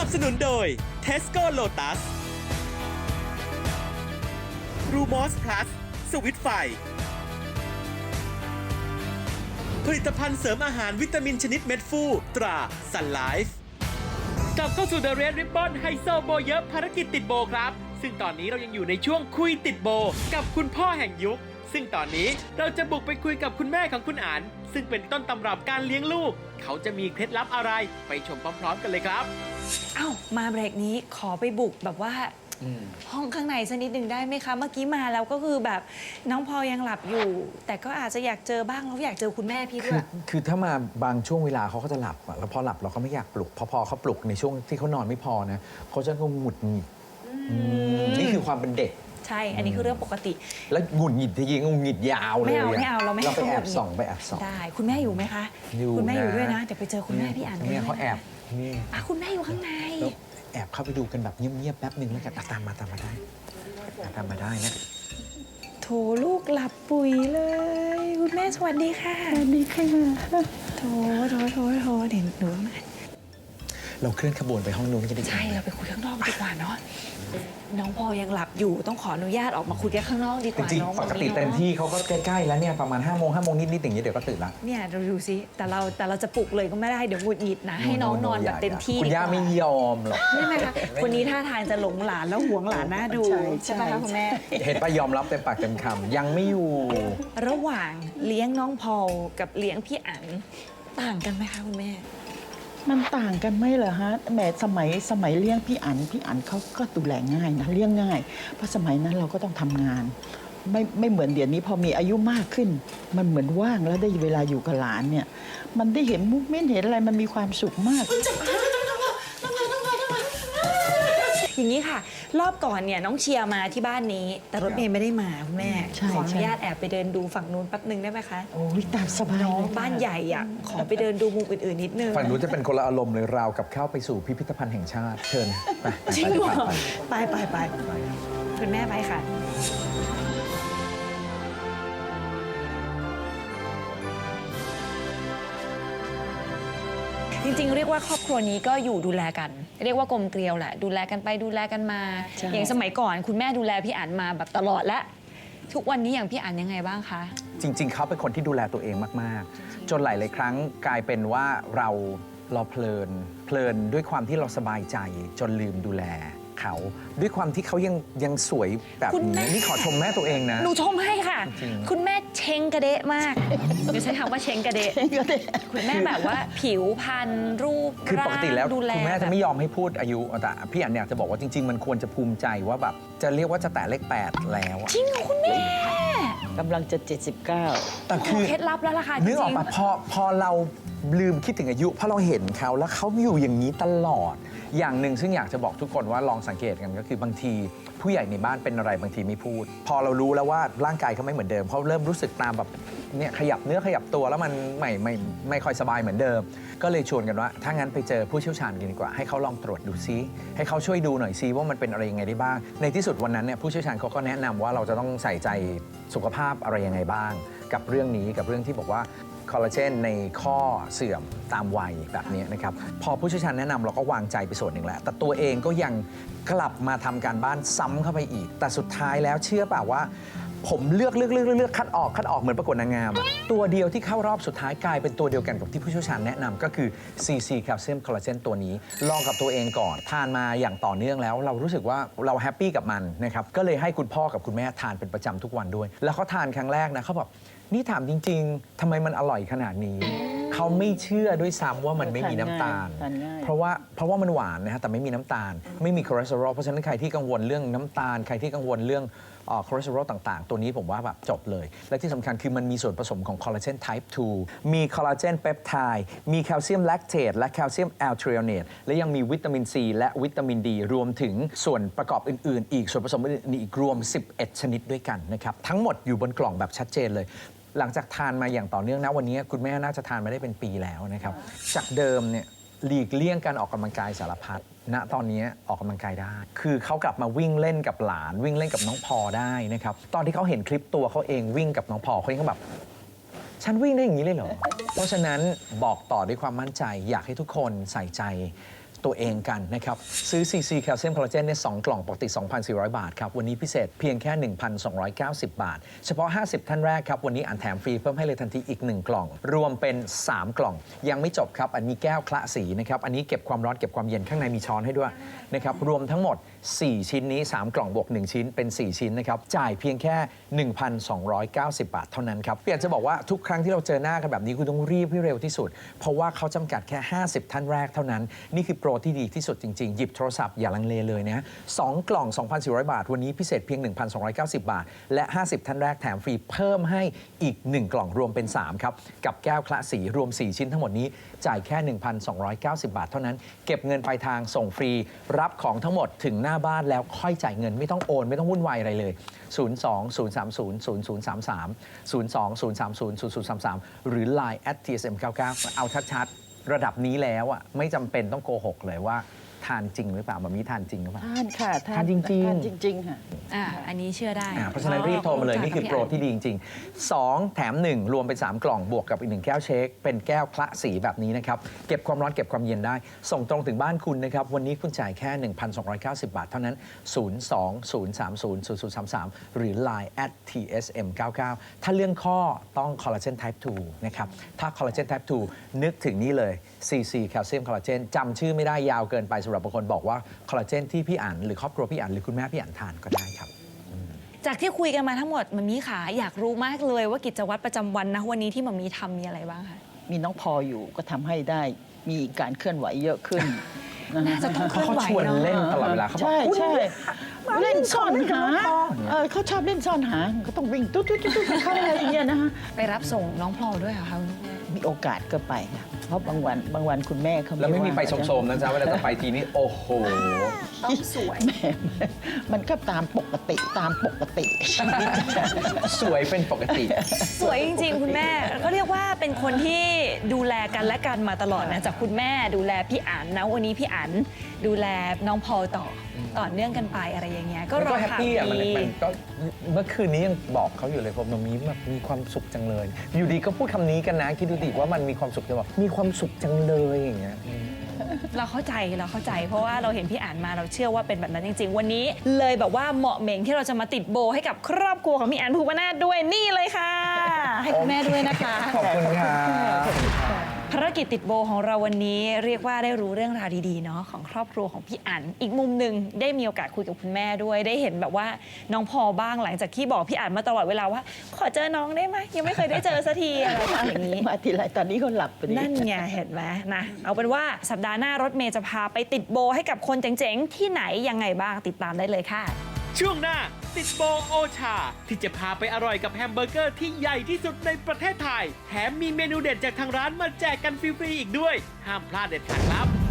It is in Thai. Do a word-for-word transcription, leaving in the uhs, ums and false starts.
บสนุนโดย Tesco Lotus Rumos Plus สวิตไฟผลิตภัณฑ์เสริมอาหารวิตามินชนิดเม็ดฟูตรา Sun Life กลับเข้าสู่ The Red Ribbon ไฮโซโบเยอะภารกิจติดโบครับซึ่งตอนนี้เรายังอยู่ในช่วงคุยติดโบกับคุณพ่อแห่งยุคซึ่งตอนนี้เราจะบุกไปคุยกับคุณแม่ของคุณอั๋นซึ่งเป็นต้นตำรับการเลี้ยงลูกเขาจะมีเคล็ดลับอะไรไปชมพร้อมๆกันเลยครับเอ้ามาเบรกนี้ขอไปบุกแบบว่าห้องข้างในสักนิดหนึ่งได้ไหมคะเมื่อกี้มาแล้วก็คือแบบน้องพอยังหลับอยู่ แต่ก็อาจจะอยากเจอบ้างแล้วอยากเจอคุณแม่พี่ด้คืวอย คือถ้ามาบางช่วงเวลาเขาก็จะหลับอะแล้วพอหลับเราก็ไม่อยากปลุกพอพอเขาปลุกในช่วงที่เขานอนไม่พอนะเขาจะหงุดหงิดนี่คือความเป็นเด็กใช่อันนี้คือเรื่องปกติแล้วหงุดหงิดที่ยิงหงุดหงิดยาวเลยไม่เอาไม่เอาเราไม่เราไปให้แอเขาบส่องไปแอบส่องได้คุณแม่อยู่ไหมคะอยู่คุณแม่อยู่นะด้วยนะเดี๋ยวไปเจอคุณแม่พี่อั๋นเนี่ยเขาแอบนี่อ่ะคุณแม่อยู่ข้างในแล้วแอบเข้าไปดูกันแบบเงียบๆแป๊บหนึ่งแล้วกันอ่ะตามมาตามมาได้อ่ะตามมาได้นะโถลูกหลับปุ๋ยเลยคุณแม่สวัสดีค่ะสวัสดีค่ะโถโถโถโถเดี๋ยวหนูมาเราเคลื่อนขบวนไปห้องนู้นกันดีกว่าใช่เราไปคุยข้างนอกดีกว่าเนาะน้องพอยังหลับอยู่ต้องขออนุญาตออกมาคุยกันข้างนอกดีกจว่าริงน้องๆปกติเต็มที่เขาก็ใกล้ๆแล้วเนี่ยประมาณห้าโมงห้าโมงนิดๆอย่างเงี้ยเดี๋ยวก็ตื่นละเนี่ยเราดูซิแต่เราแต่เราจะปลุกเลยก็ไม่ได้เดี๋ยวหงุดหงิดนะให้น้องนอนแบบเต็มที่คุณย่าไม่ยอมหรอกใช่ไหมคะคนนี้ท่าทางจะหลงหลานแล้วหวงหลานน่าดูใช่ไหมคะคุณแม่เห็นปะยอมรับเต็มปากเต็มคำยังไม่อยู่ระหว่างเลี้ยงน้องพอลกับเลี้ยงพี่อั๋นต่างกันไหมคะคุณแม่มันต่างกันไหมเหรอฮะแหมสมัยสมัยเลี้ยงพี่อั๋นพี่อั๋นเขาก็ดูแลง่ายนะเลี้ยงง่าย เพราะสมัยนั้นเราก็ต้องทำงาน ไม่ไม่เหมือนเดี๋ยวนี้พอมีอายุมากขึ้น มันเหมือนว่างแล้วได้เวลาอยู่กับหลานเนี่ย มันได้เห็นมุกเม้นเห็นอะไรมันมีความสุขมากอย่างนี้ค่ะ รอบก่อนเนี่ยน้องเชียร์มาที่บ้านนี้ แต่รถเมย์ไม่ได้มาคุณแม่ใช่ขออนุใช่ญาตแอบไปเดินดูฝั่งนู้นแป๊บนึงได้ไหมคะโอ้ยตามสบายน้องเลยค่ะบ้านใหญ่อ่ะขอไปเดินดูมุมอื่นๆนิดนึงฝั่งนู้นจะเป็นคนละอารมณ์เลยราวกับเข้าไปสู่พิพิธภัณฑ์แห่งชาติเชิญไปไปจริงไปเหรอไปไปไปไปคุณแม่ไปค่ะ จริงๆ เรียกว่าครอบครัวนี้ก็อยู่ดูแลกัน เรียกว่ากลมเกลียวแหละ ดูแลกันไปดูแลกันมาใช่อย่างสมัยก่อนคุณแม่ดูแลพี่อั๋นมาแบบตลอดและทุกวันนี้อย่างพี่อั๋นยังไงบ้างคะจริง ๆ เขาเป็นคนที่ดูแลตัวเองมาก ๆ จนหลาย ๆ ครั้งกลายเป็นว่าเราเราเพลินเพลินด้วยความที่เราสบายใจจนลืมดูแลเขาด้วยความที่เขายังยังสวยแบบคุณแม่นี้นี่ขอชมแม่ตัวเองนะหนูชมให้ค่ะจริงๆคุณแม่เชงกระเดะมากหนูใช้คำว่าเชงกระเดะก็ได้คุณแม่แบบว่าผิวพรรณรูปคือปกติแล้วร่างดูแลคุณแม่แบจะบไม่ยอมให้พูดอายุแต่พี่อันอยากจะบอกว่าจริง ๆ มันควรจะภูมิใจว่าแบบจะเรียกว่าจะแตะเลขแปดแล้วอะจริงเหรอคุณแม่กำลังจะเจ็ดสิบเก้าแต่ขคือ อเคล็ดลับแล้วล่ะค่ะจนึกอริอกงปะพอพอเราลืมคิดถึงอายุเพราะเราเห็นเขาแล้วเขาอยู่อย่างนี้ตลอด อย่างหนึ่งซึ่งอยากจะบอกทุกคนว่าลองสังเกตกันก็คือบางทีผู้ใหญ่ในบ้านเป็นอะไรบางทีไม่พูด พอเรารู้แล้วว่าร่างกายเขาไม่เหมือนเดิมเขาเริ่มรู้สึกตามแบบเนี่ยขยับเนื้อขยับตัวแล้วมันไม่ไม่ไม่ค่อยสบายเหมือนเดิม ก็เลยชวนกันว่าถ้างั้นไปเจอผู้เชี่ยวชาญกันดีกว่าให้เขาลองตรวจดูซิให้เขาช่วยดูหน่อยซิว่ามันเป็นอะไรยังไงได้บ้าง ในที่สุดวันนั้นเนี่ยผู้เชี่ยวชาญเขาก็แนะนำว่าเราจะต้องใส่ใจสุขภาพอะไรยังไงบ้าง กับเรื่องนี้กับเรื่องที่บอกว่าคอลลาเจนในข้อเสื่อมตามวัยแบบนี้นะครับพอผู้เชี่ยวชาญแนะนำเราก็วางใจไปส่วนหนึ่งแล้วแต่ตัวเองก็ยังกลับมาทำการบ้านซ้ำเข้าไปอีก แต่สุดท้ายแล้วเชื่อเปล่าว่า ผมเลือกเลือกเลือกเลือกเลือกคัดออกคัดออกเหมือนประกวดนางงามอะตัวเดียวที่เข้ารอบสุดท้ายกลายเป็นตัวเดียวกันกับที่ผู้เชี่ยวชาญแนะนำก็คือ ซี ซี แคลเซียมคอลลาเจนตัวนี้ลองกับตัวเองก่อนทานมาอย่างต่อเนื่องแล้ว เรารู้สึกว่าเราแฮปปี้กับมันนะครับก็เลยให้คุณพ่อกับคุณแม่ทานเป็นประจำทุกวันด้วย แล้วเขาทานครั้งแรกนะเขาบอกนี่ถามจริง ๆทำไมมันอร่อยขนาดนี้ เขาไม่เชื่อด้วยซ้ำว่ามันไม่มีน้ำตาลทานง่ายเพราะว่าเพราะว่ามันหวานนะฮะแต่ไม่มีน้ำตาล ไม่มีคอเลสเตอรอลเพราะฉะนั้นใครที่กังวลเรื่องน้ำตาล ใครที่กังวลเรื่องคอเลสเตอรอลต่างๆ ตัวนี้ผมว่าแบบจบเลย และที่สำคัญคือมันมีส่วนผสมของคอลลาเจน ไทป์ ทู มีคอลลาเจนเปปไทด์มีแคลเซียมแลคเตตและแคลเซียมแอลทริโอเนตและยังมีวิตามินซีและวิตามินดีรวมถึงส่วนประกอบอื่นๆ อีกส่วนผสมอื่นๆอีกรวมสิบเอ็ดชนิดด้วยกันนะครับทั้งหมดอยู่บนกล่องแบบชัดเจนเลย หลังจากทานมาอย่างต่อเนื่องนะวันนี้คุณแม่น่าจะทานมาได้เป็นปีแล้วนะครับจากเดิมเนี่ยหลีกเลี่ยงการออกกำลังกายสารพัดณตอนนี้ออกกำลังกายได้ คือเขากลับมาวิ่งเล่นกับหลาน วิ่งเล่นกับน้องพอได้นะครับตอนที่เขาเห็นคลิปตัวเขาเองวิ่งกับน้องพอเขายังแบบ ฉันวิ่งได้อย่างนี้เลยเหรอ เพราะฉะนั้นบอกต่อด้วยความมั่นใจ อยากให้ทุกคนใส่ใจตัวเองกันนะครับ ซื้อ ซี ซี แคลเซียมคอลลาเจนเนี่ยสองกล่องปกติ สองพันสี่ร้อย บาทครับ วันนี้พิเศษเพียงแค่ หนึ่งพันสองร้อยเก้าสิบ บาท เฉพาะ ห้าสิบ ท่านแรกครับ วันนี้อ่านแถมฟรีเพิ่มให้เลยทันทีอีก หนึ่ง กล่อง รวมเป็น สาม กล่อง ยังไม่จบครับ อันนี้แก้วคละสีนะครับ อันนี้เก็บความร้อนเก็บความเย็นข้างในมีช้อนให้ด้วยนะครับ รวมทั้งหมด สี่ ชิ้นนี้ สาม กล่องบวก หนึ่ง ชิ้นเป็น สี่ ชิ้นนะครับ จ่ายเพียงแค่ หนึ่งพันสองร้อยเก้าสิบ บาทเท่านั้นครับอยากจะบอกว่าทุกครั้งที่เราเจอหน้ากันแบบนี้คุณต้องรีบให้เร็วที่สุด เพราะว่าเขาจำกัดแค่ ห้าสิบ ท่านแรกเท่านั้นนี่คือโปรที่ดีที่สุดจริงๆหยิบโทรศัพท์อย่าลังเลเลยนะสองกล่อง สองพันสี่ร้อย บาทวันนี้พิเศษเพียง หนึ่งพันสองร้อยเก้าสิบ บาทและ ห้าสิบ ท่านแรกแถมฟรีเพิ่มให้อีก หนึ่ง กล่องรวมเป็น สาม ครับกับแก้วคละสีรวม สี่ ชิ้นทั้งหมดนี้จ่ายแค่ หนึ่งพันสองร้อยเก้าสิบ บาทเท่านั้นเก็บเงินปลายทางส่งฟรีรับของทั้งหมดถึงหน้าบ้านแล้วค่อยจ่ายเงินไม่ต้องโอนไม่ต้องวุ่นวายอะไรเลย ศูนย์ สอง ศูนย์ สาม ศูนย์ ศูนย์ ศูนย์ สาม สาม ศูนย์ สอง ศูนย์ สาม ศูนย์ ศูนย์ ศูนย์ สาม สาม หรือ ไลน์ แอท ที เอส เอ็ม เก้าเก้า เอาชัดๆระดับนี้แล้วอ่ะไม่จำเป็นต้องโกหกเลยว่าทานจริงหรือเปล่าแบบนี้ทานจริงหรือเปล่าทานค่ะทานจริงๆทานจริง ๆ ค่ะอ่าอันนี้เชื่อได้อ่าเพราะฉะนั้นรีบโทรมาเลยนี่คือโปรที่ดีจริงๆ สอง แถม หนึ่ง รวมเป็น สาม กล่องบวกกับอีกหนึ่งแก้วเชคเป็นแก้วคละสีแบบนี้นะครับเก็บความร้อนเก็บความเย็นได้ ส่งตรงถึงบ้านคุณนะครับวันนี้คุณจ่ายแค่ หนึ่งพันสองร้อยเก้าสิบ บาทเท่านั้น ศูนย์ สอง ศูนย์ สาม ศูนย์ ศูนย์ ศูนย์ สาม สาม หรือ ไลน์ แอท ที เอส เอ็ม เก้าเก้า ถ้าเรื่องข้อต้องคอลลาเจน Type ทูนะครับถ้าคอลลาเจน Type ทูนึกถึงนี่เลย ซี ซี แคลเซียมคอลลาเจนจำชื่อไม่ได้ยาวเกินไปสำหรับบางคนบอกว่าคอลลาเจนที่พี่อั๋นหรือครอบครัวพี่อั๋นหรือคุณแม่พี่อั๋นทานก็ได้ครับจากที่คุยกันมาทั้งหมดมัมมี่ขาอยากรู้มากเลยว่ากิจวัตรประจำวันนะวันนี้ที่มัมมี่ทำมีอะไรบ้างคะมีน้องพออยู่ก็ทำให้ได้มีการเคลื่อนไหวเยอะขึ้นน่าจะต้องเคลื่อนไหวเขาชวนเนาะเล่นตลอดเวลาเขาบอกใช่คุณใช่มาเล่เล่นนซ่อนเล่นกับหาน้องพอเออเขาชอบเล่นซ่อนหาก็ต้องวิ่งตุ๊ดตุ๊ดตุ๊ดตุ๊ดเข้าอะไรอย่างเงี้ยนะฮะไปรับส่งน้องพลอยด้วยเหรอคะคุณแม่มีโอกาสก็ไปค่ะเพราะบางวันบางวันคุณแม่เขาแล้วไม่มีไปว่าโสมๆนะจ๊ะเวลาจะไปทีนี้โอ้โหต้องสวยแม่มันก็ตามปกติตามปกติสวยเป็นปกติสวยจริงๆ คุณแม่ก็เรียกว่าเป็นคนที่ดูแลกันและกันมาตลอดนะจากคุณแม่ดูแลพี่อั๋นนะวันนี้พี่อั๋นดูแลน้องพอลต่อต่อเนื่องกันไปอะไรอย่างเงี้ยก็รก็อแฮปข่าวปี้อ่ะมันดีมันก็เมื่อคืนนี้ยังบอกเขาอยู่เลยผมมันมีแบบมีความสุขจังเลย อยู่ดีก็พูดคำนี้กันนะคิดดูดิว่ามันมีความสุขจะบอกมีความสุขจังเลยอย่างเงี้ยเราเข้าใจเราเข้าใจ เพราะว่าเราเห็นพี่อ่านมาเราเชื่อว่าเป็นแบบนั้นจริง ๆ วันนี้เลยแบบว่าเหมาะเหม่งที่เราจะมาติดโบให้กับครอบครัวของพี่อ่านภูวนาถด้วยนี่เลยค่ะ ให้คุณแม่ด้วยนะคะขอบคุณครับภารกิจติดโบของเราวันนี้เรียกว่าได้รู้เรื่องราวดีๆเนาะของครอบครัวของพี่อั๋นอีกมุมหนึ่งได้มีโอกาสคุยกับคุณแม่ด้วย ได้เห็นแบบว่าน้องพอบ้างหลังจากที่บอกพี่อั๋นมาตลอดเวลาว่า ขอเจอน้องได้ไหมยังไม่เคยได้เจอสักทีอะไรอย่างนี้มาทีไรตอนนี้เขาหลับไปดินั่นไงเห็นไหมนะเอาเป็นว่าสัปดาห์หน้ารถเมย์จะพาไปติดโบให้กับคนเจ๋งๆ ที่ไหนยังไงบ้างติดตามได้เลยค่ะช่วงหน้าติดโบโอชา ที่จะพาไปอร่อยกับแฮมเบอร์เกอร์ที่ใหญ่ที่สุดในประเทศไทย แถมมีเมนูเด็ดจากทางร้านมาแจกกันฟรีๆอีกด้วย ห้ามพลาดเด็ดขาดครับ